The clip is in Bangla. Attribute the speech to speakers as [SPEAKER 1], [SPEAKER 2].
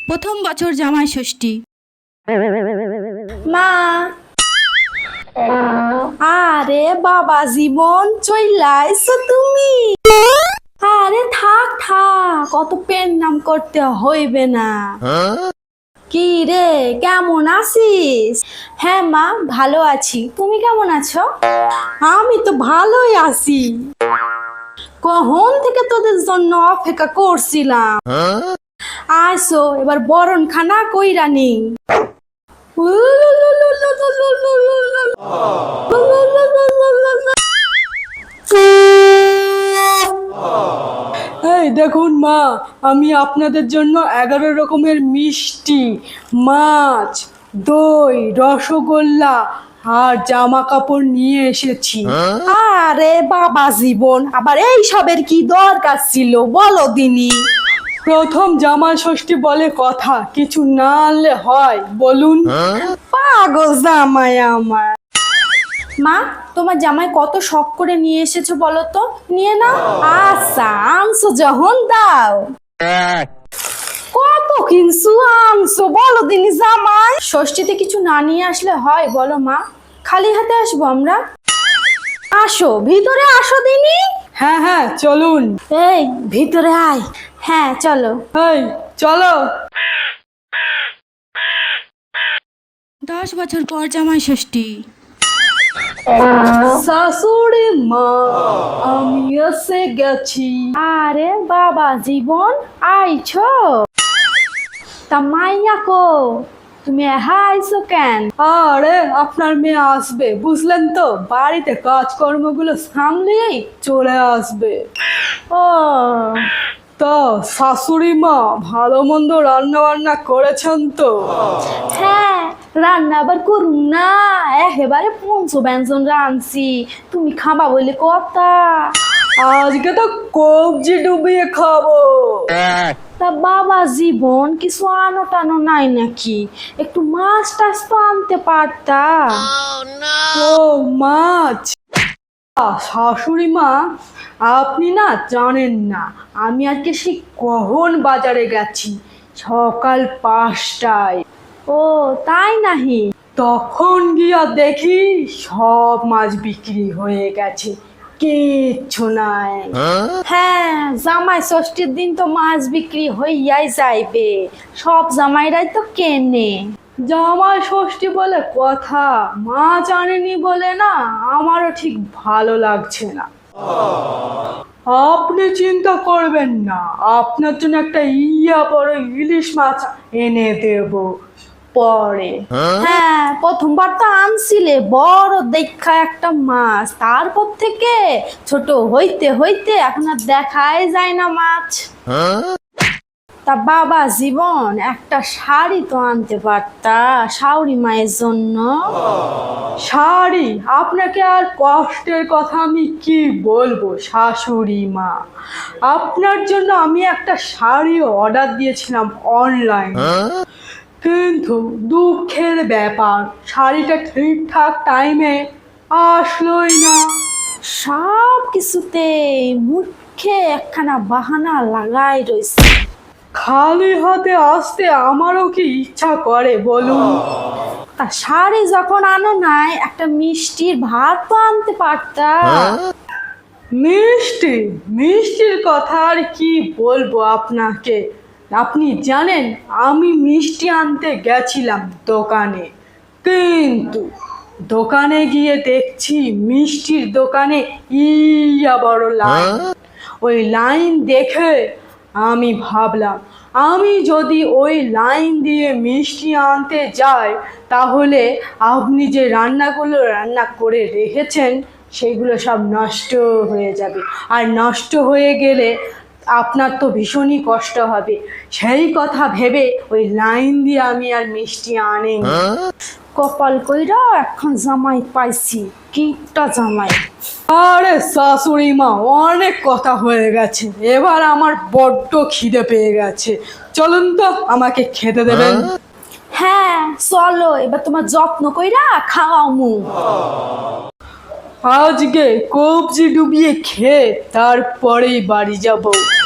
[SPEAKER 1] প্রথম বছর জামাই ষষ্ঠী।
[SPEAKER 2] মা, আরে বাবা জীবন চইলাইছো তুমি? আরে থাক থাক, কত পেন নাম করতে হইবে না। কি রে, কেমন আছিস? হ্যাঁ মা, ভালো আছি। তুমি কেমন আছো? আমি তো ভালোই আছি। কখন থেকে তোদের জন্য অপেক্ষা করছিলাম। আসো এবার বরণ খানা কইরা নি।
[SPEAKER 3] এই দেখুন মা, আমি আপনাদের জন্য 11 রকমের মিষ্টি, মাছ, দই, রসগোল্লা আর জামা কাপড় নিয়ে এসেছি।
[SPEAKER 2] আরে বাবা জীবন, আবার এই সবের কি দরকার ছিল বলো দিনি।
[SPEAKER 3] প্রথম জামাই ষষ্ঠী বলে কথা, কিছু না আনলে হয় বলুন?
[SPEAKER 2] পাগল জামাই আমার। মা, তোমার জামাই কত শখ করে নিয়ে এসেছো বলো তো, নিয়ে নাও। আচ্ছা আনছো যখন দাও। কত কিনছো আনছো বলো দিনি জামাই? ষষ্ঠীতে কিছু না নিয়ে আসলে হয় বলো মা? খালি হাতে আসবো আমরা? আসো ভিতরে আসো দিনি।
[SPEAKER 3] হ্যাঁ হ্যাঁ চলুন।
[SPEAKER 2] এই ভিতরে আয়। হ্যাঁ চলো।
[SPEAKER 3] এই চলো।
[SPEAKER 1] 10 বছর পর জামাই ষষ্ঠী।
[SPEAKER 3] শাশুড়ি মা, আমি এসে গেছি।
[SPEAKER 2] আরে বাবা জীবন, আইছো? তা মাইয়া কো, তুমি আইছো কেন?
[SPEAKER 3] আরে আপনার মেয়ে আসবে বুঝলেন তো, বাড়িতে কাজকর্মগুলো সামলেই চলে আসবে।
[SPEAKER 2] ও
[SPEAKER 3] তো শাশুড়ি মা ভালো মন্দ রান্না বান্না করেছেন তো?
[SPEAKER 2] হ্যাঁ, রান্না আবার করুন না, একেবারে পঞ্চব্যঞ্জন রাঁধছি। তুমি খাবা বলে কথা।
[SPEAKER 3] আজকে তো কবজি ডুবিয়ে খাবো।
[SPEAKER 2] তা বাবা জীবন, কিছু আনো টানো নাই নাকি? একটু মাছ টাছ তো আনতে পারতা।
[SPEAKER 3] ও মাছ। শাশুড়ি মা, আপনি না জানেন না, আমি আজকে সেই কখন বাজারে গেছি, সকাল 5টায়।
[SPEAKER 2] ও তাই নাহি?
[SPEAKER 3] তখন গিয়া দেখি সব মাছ বিক্রি হয়ে গেছে, কিচ্ছু নাই।
[SPEAKER 2] হ্যাঁ, জামাই ষষ্ঠীর দিন তো মাছ বিক্রি হইয়াই যাইবে, সব জামাইরাই তো কেনে।
[SPEAKER 3] জামাই ষষ্ঠী বলে কথা, মাছ আনেনি বলে না আমারও ঠিক ভালো লাগছে না। আপনি চিন্তা করবেন না, আপনার জন্য একটা বড় ইলিশ মাছ এনে দেব পরে।
[SPEAKER 2] হ্যাঁ, প্রথমবার তো আনছিলে বড় দেখা একটা মাছ, তারপর থেকে ছোট হইতে হইতে এখন আর দেখাই যায় না মাছ। তা বাবা জীবন, একটা শাড়ি তো আনতে পারতা শাশুড়ি মায়ের জন্য।
[SPEAKER 3] শাড়ি? আপনাকে আর কষ্টের কথা আমি কি বলবো শাশুড়ি মা, আপনার জন্য আমি একটা শাড়ি অর্ডার দিয়েছিলাম অনলাইন, কিন্তু দুঃখের ব্যাপার শাড়িটা ঠিকঠাক টাইমে আসলোই না।
[SPEAKER 2] সব কিছুতে মুখে একখানা বাহানা লাগাই রয়েছে।
[SPEAKER 3] খালি হাতে আসতে আমারও কি ইচ্ছা করে বলুন?
[SPEAKER 2] তা শাড়ি যখন আনো নাই, একটা মিষ্টির ভাত তো আনতে পারতা।
[SPEAKER 3] মিষ্টি? মিষ্টির কথা আর কি বলবো আপনাকে, আপনি জানেন আমি মিষ্টি আনতে গেছিলাম দোকানে, কিন্তু দোকানে গিয়ে দেখছি মিষ্টির দোকানে বড় লাইন। ওই লাইন দেখে আমি ভাবলাম, আমি যদি ওই লাইন দিয়ে মিষ্টি আনতে যাই তাহলে আপনি যে রান্নাগুলো রান্না করে রেখেছেন সেগুলো সব নষ্ট হয়ে যাবে, আর নষ্ট হয়ে গেলে আপনার তো ভীষণই কষ্ট হবে। সেই কথা ভেবে ওই লাইন দিয়ে আমি আর মিষ্টি আনিনি।
[SPEAKER 2] কপাল কইরা এখন জামাই পাইছি, কিটা জামাই।
[SPEAKER 3] আরে শাশুড়ি মা, অনেক কথা হয়ে গেছে, এবার আমার বড্ড খিদে পেয়ে গেছে, চলুন তো আমাকে খেতে দেবেন।
[SPEAKER 2] হ্যাঁ চলো, এবার তোমার যত্ন কইরা খাওয়াও মু।
[SPEAKER 3] আজকে কবজি ডুবিয়ে খেয়ে তারপরেই বাড়ি যাব।